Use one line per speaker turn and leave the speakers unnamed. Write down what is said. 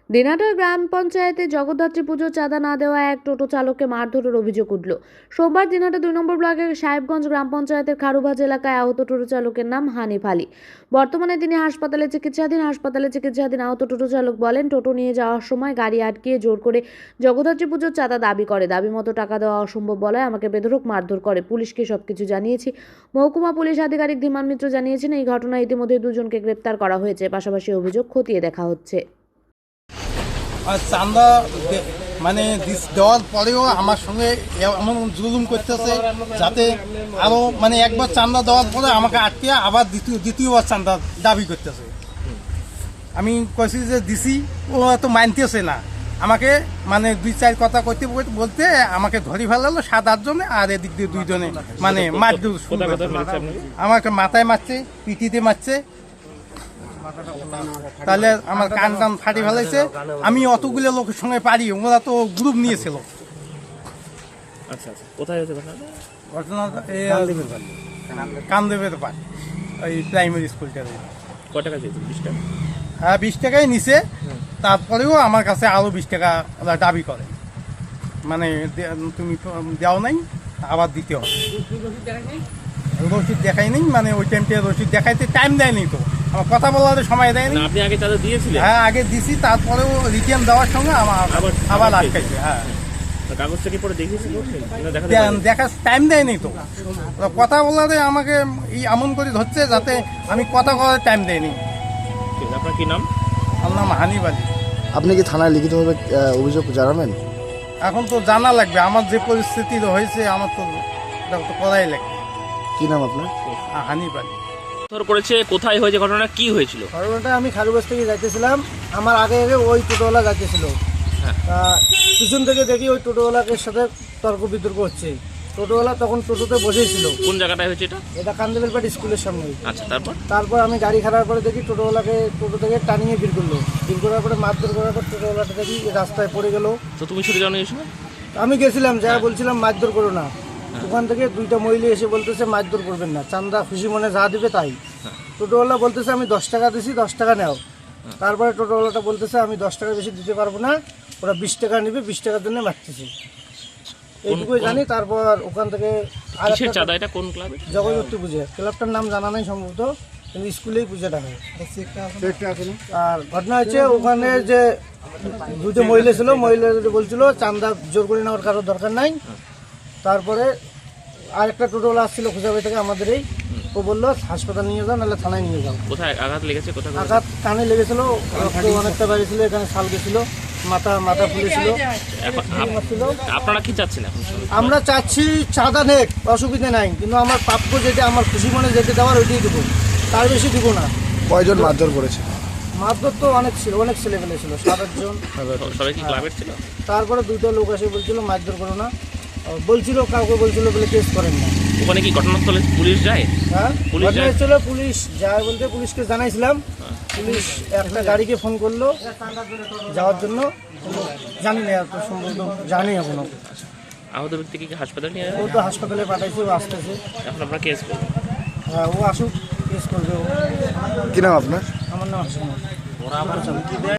দিনাটার গ্রাম পঞ্চায়েতে জগদ্ধাত্রী পুজোর চাঁদা না দেওয়া এক টোটো চালককে মারধরের অভিযোগ উঠল। সোমবার দিনাটা 2 নম্বর ব্লকের সাহেবগঞ্জ গ্রাম পঞ্চায়েতের খারুবাজ এলাকায় আহত টোটো চালকের নাম হানিফ আলী। বর্তমানে তিনি হাসপাতালে চিকিৎসাধীন। আহত টোটো চালক বলেন, টোটো নিয়ে যাওয়ার সময় গাড়ি আটকিয়ে জোর করে জগদ্ধাত্রী পুজোর চাঁদা দাবি করে। দাবি মতো টাকা দেওয়া অসম্ভব বলায় আমাকে বেধড়ক মারধর করে। পুলিশকে সবকিছু জানিয়েছি। মহকুমা পুলিশ আধিকারিক ধীমান মিত্র জানিয়েছেন, এই ঘটনায় ইতিমধ্যে 2 জনকে গ্রেপ্তার করা হয়েছে। পাশাপাশি অভিযোগ খতিয়ে দেখা হচ্ছে।
চাঁদা মানে দেওয়ার পরেও আমার সঙ্গে এমন জুলুম করতেছে, যাতে আরও মানে একবার চাঁদা দেওয়ার পরে আমাকে আটকে আবার দ্বিতীয়বার চাঁদা দাবি করতেছে। আমি কইছি যে দিছি, ও তো মানতেছে না আমাকে, মানে 2-4 কথা করতে বলতে আমাকে ধরি ফেলালো 7-8 জনে, আর এদিক দিয়ে 2 জনে মানে মারধর শুরু করতে। আমাকে মাথায় মারছে, পিঠিতে মারছে, তাহলে আমার কান টান ফাটি ফেলাইছে। আমি অতগুলো লোকের সঙ্গে পারি, ওরা তো গ্রুপ নিয়েছিল। ঘটনাটা কামদেবের পার, ওই প্রাইমারি স্কুলটা। হ্যাঁ, 20 টাকাই নিছে। তারপরেও আমার কাছে আরো 20 টাকা ওরা দাবি করে, মানে তুমি দেও নাই, আবার দিতে হবে। রসিদ দেখাই নেই, মানে ওই টাইমটা রসিদ দেখাইতে টাইম দেয়নি, তো আমার কথা বলার সময় দেয়নি।
আপনি আগে চাঁদা দিয়েছিলেন?
হ্যাঁ, আগে দিছি, তারপরেও রিটার্ন দেওয়ার সঙ্গে আবার আটকাইছে। হ্যাঁ,
কাগজটা কি পরে দেখিয়েছিল?
দেখার টাইম দেয়নি, তো কথা বলারে আমাকে এমন করে ধরছে যাতে আমি কথা বলার টাইম দেয়নি।
আপনার কি নাম?
আমার নাম হানিফ আলী।
আপনি কি থানায় লিখিতভাবে অভিযোগ জানাবেন?
এখন তো জানা লাগবে, আমার যে পরিস্থিতি হয়েছে আমার তো করাই লাগবে।
কি নাম আপনার?
হানিফ আলী।
করেছে, কোথায় হয়েছে ঘটনা, কি হয়েছিল?
ঘটনাটা আমি খারুবাজ থেকে যাইতেছিলাম, আমার আগে ওই টোটোওয়ালা যাইতেছিল। পিছন থেকে দেখি ওই টোটোওয়ালাকে সাথে তর্ক বিতর্ক হচ্ছে। টোটোওয়ালা তখন টোটোতে বসেছিল।
কোন জায়গাটায় হয়েছে এটা?
এটা কান্দেবেলপাট স্কুলের সামনে।
আচ্ছা,
তারপর আমি গাড়ি খারাপ পরে দেখি টোটোওয়ালাকে টোটো থেকে টানিয়ে বের করলো। বের করার পরে মারধর করার পর টোটোওয়ালাটা দেখি রাস্তায় পড়ে গেল।
তো তুমি ছুটে যাও না?
আমি গেছিলাম, যা বলছিলাম মারধর করো না। ওখান থেকে 2টা মহিলা এসে বলতেছে মারধর করবেন না, চান্দা খুশি মনে যা দিবে তাই। টোটোওয়ালা বলতেছে আমি 10 টাকা দিছি, 10 টাকা নেও। তারপরে টোটোওয়ালাটা বলতেছে আমি 10 টাকা বেশি দিতে পারবো না, ওরা 20 টাকা নেবে, 20 টাকার জন্য মারতেছে, এইটুকুই জানি। তারপর ওখান থেকে জগদ্ধাত্রী পুজো ক্লাবটার নাম জানা নাই সম্ভবত, কিন্তু স্কুলেই পুজোটা হয়। আর ঘটনা হচ্ছে ওখানে যে 2টা মহিলা ছিল, মহিলাদের বলছিল চান্দা জোর করে নেওয়ার কারোর দরকার নাই। তারপরে আরেকটা টোটোওয়ালা আসছিল খুঁজাবাড়ি থেকে আমাদের, ও বললো হাসপাতাল নিয়ে যাও, নাহলে থানায় নিয়ে যাও।
কোথায় আঘাত লেগেছে?
আঘাত কানে লেগেছিল, রক্ত অনেকটা বেরিয়েছিল, এখানে ছাল গেছিল, মাথা ফুলেছিল।
আপনারা কি চাচ্ছেন এখন?
আমরা চাচ্ছি চাঁদা নেক, অসুবিধা নাই, কিন্তু আমার প্রাপ্য যেটা আমার খুশি মনে যেতে দেওয়ার ওইটাই দেবো, তার বেশি দিব না।
কয়জন মারধর করেছে?
মারধর তো অনেক ছিল, অনেক ছেলেমেলে ছিল, 7-8 জন।
সবাই কি ক্লাবের ছিল?
তারপরে 2টা লোক এসে বলছিল মারধর করো না, বলছিল, কাউকে বলছিল বলে কেস করেন না।
ওখানে কি ঘটনাস্থলে পুলিশ যায়?
হ্যাঁ, ঘটনাস্থলে পুলিশ যায় বলতে পুলিশকে জানাইছিলাম। পুলিশ একটা গাড়িকে ফোন করলো যাওয়ার জন্য, জানি না এত সম্ভবত জানি এখনো।
আহত ব্যক্তিকে কি হাসপাতালে নিয়ে?
ও তো হাসপাতালে পাঠাইছে, ও আসতেছে।
এখন আপনারা কেস করবেন?
হ্যাঁ, ও আসুক, কেস করবে।
কি নাম আপনার?
আমার নাম হাসিম।